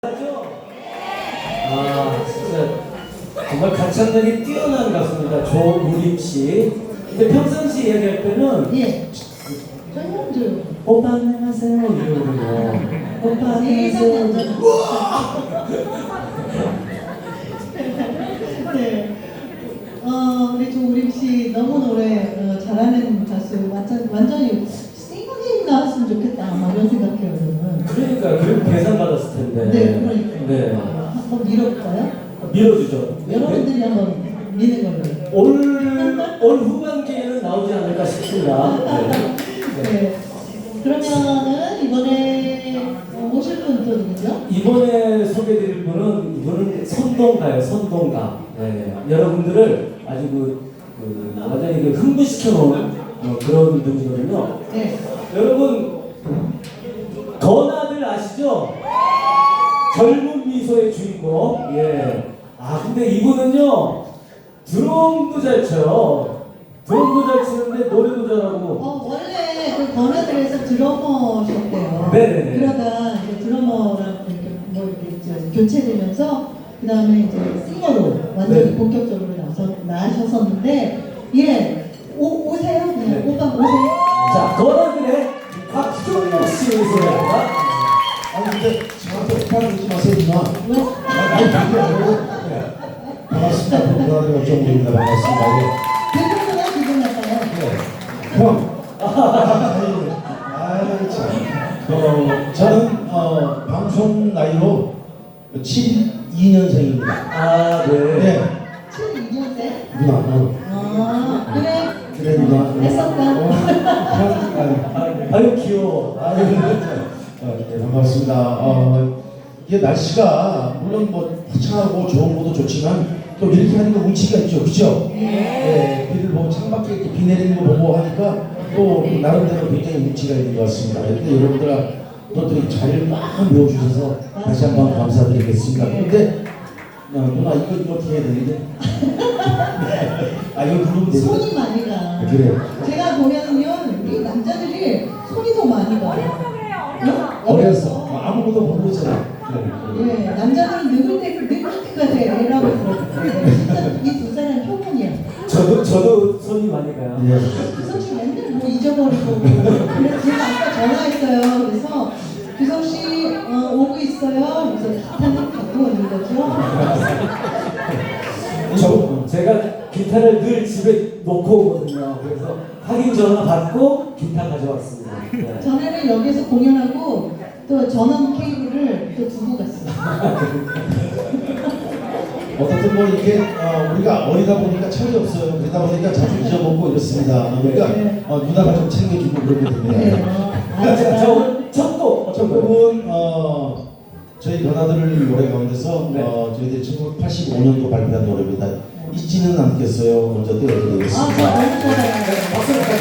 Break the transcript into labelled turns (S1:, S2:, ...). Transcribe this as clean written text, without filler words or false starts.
S1: 진짜 정말 가창력이 뛰어난 가수입니다. 조우림 씨. 근데 평상시 이야기할 때는
S2: 예. 전현주.
S1: 오빠 안녕하세요 이러고 오빠 안녕하세요.
S2: 네. 우리 조우림 씨 너무 노래 잘하는 가수 완전히 싱어게임 나왔으면 좋겠다 막 이런 생각해요 저는.
S1: 그러니까 그럼 계산 받았을 텐데.
S2: 네, 그러니까.
S1: 네.
S2: 한번 밀어볼까요?
S1: 밀어주죠.
S2: 여러분들이 한번 미는 걸로.
S1: 올 후반기에는 나오지 않을까 싶습니다. 네.
S2: 네. 그러면은 이번에 오실 분 또 누구죠?
S1: 이번에 소개드릴 분은 이분은 선동가예요. 선동가. 네. 여러분들을 아주 완전히 흥분시켜 놓은 그런 분이거든요.
S2: 네.
S1: 여러분 건아들 아시죠? 젊은 미소의 주인공. 예. 근데 이분은요 드럼도 잘 쳐요. 드럼도 잘 치는데 노래도 잘하고.
S2: 원래 그 건아들에서 드러머셨대요.
S1: 네네네.
S2: 그러다 이제 드러머랑 이렇게 교체되면서 그 다음에 이제 싱어로 완전히
S1: 네.
S2: 본격적으로 나셔섰는데 오세요?
S1: 네.
S2: 오빠 오세요?
S1: 자, 건아들의 박종욱 씨 소개합니다.
S3: 아니 근데 저한테 오빠 그러지 마세요 누나.
S2: 왜?
S3: 아니 그게 아니고 반갑습니다. 누나들 박정우입니다. 반갑습니다.
S2: 대표가 기분 나빠요.
S3: 예. 형. 아유 참. 저는 방송 나이로 72년생입니다.
S1: 네.
S3: 네.
S2: 72년생?
S3: 누나.
S2: 그래.
S3: 그래 누나.
S2: 했었다.
S1: 아유 귀여워.
S3: 네, 반갑습니다. 이게 날씨가 물론 뭐 화창하고 좋은 것도 좋지만 또 이렇게 하는 거 운치가 있죠, 그죠? 네. 비를 보고 창밖에 이렇게 비 내리는 거 보고 하니까 또 나름대로 굉장히 운치가 있는 것 같습니다. 근데 여러분들이 잘 막 메워주셔서 다시 한번 감사드리겠습니다. 근데 누나 이거 이렇게 해야 되는데 이거 누르면 되죠?
S2: 손이 많이 가.
S3: 그래요.
S2: 제가 보면은요, 우리 남자들이 손이 더 많이 가.
S3: 어려서 아무것도 모르잖아.
S2: 예, 남자들은 늙을 때가 돼라고 그러는데 진짜 이 두 사람 표본이야.
S1: 저도 손이 많이 가요.
S3: 예.
S2: 규성 씨 맨날 뭐 잊어버리고 그래서 제가 아까 전화했어요. 그래서 규성 씨 오고 있어요. 그래서 기타는 갖고 오는 거죠.
S1: 제가 기타를 늘 집에 놓고 오거든요. 그래서 확인 전화 받고 기타 가져왔습니다. 네.
S2: 전에는 여기서 공연하고 또 전원 케이블을 또 두고 갔어요.
S3: 어떻든 뭐 이렇게 우리가 어리다 보니까 철이 없어요. 그러다 보니까 자주 잊어먹고 이렇습니다. 그러니까 누나가 좀 챙겨주고 그러게
S2: 네.
S3: 됩니다.
S1: 첫곡 어떤 거요?
S3: 곡은 저희 건아들 노래 가운데서
S1: 네.
S3: 저희들이 1985년도 발표한 노래입니다. 잊지는 않겠어요. 먼저 띄워드리겠습니다.
S2: 너무 좋아요.
S1: 박수.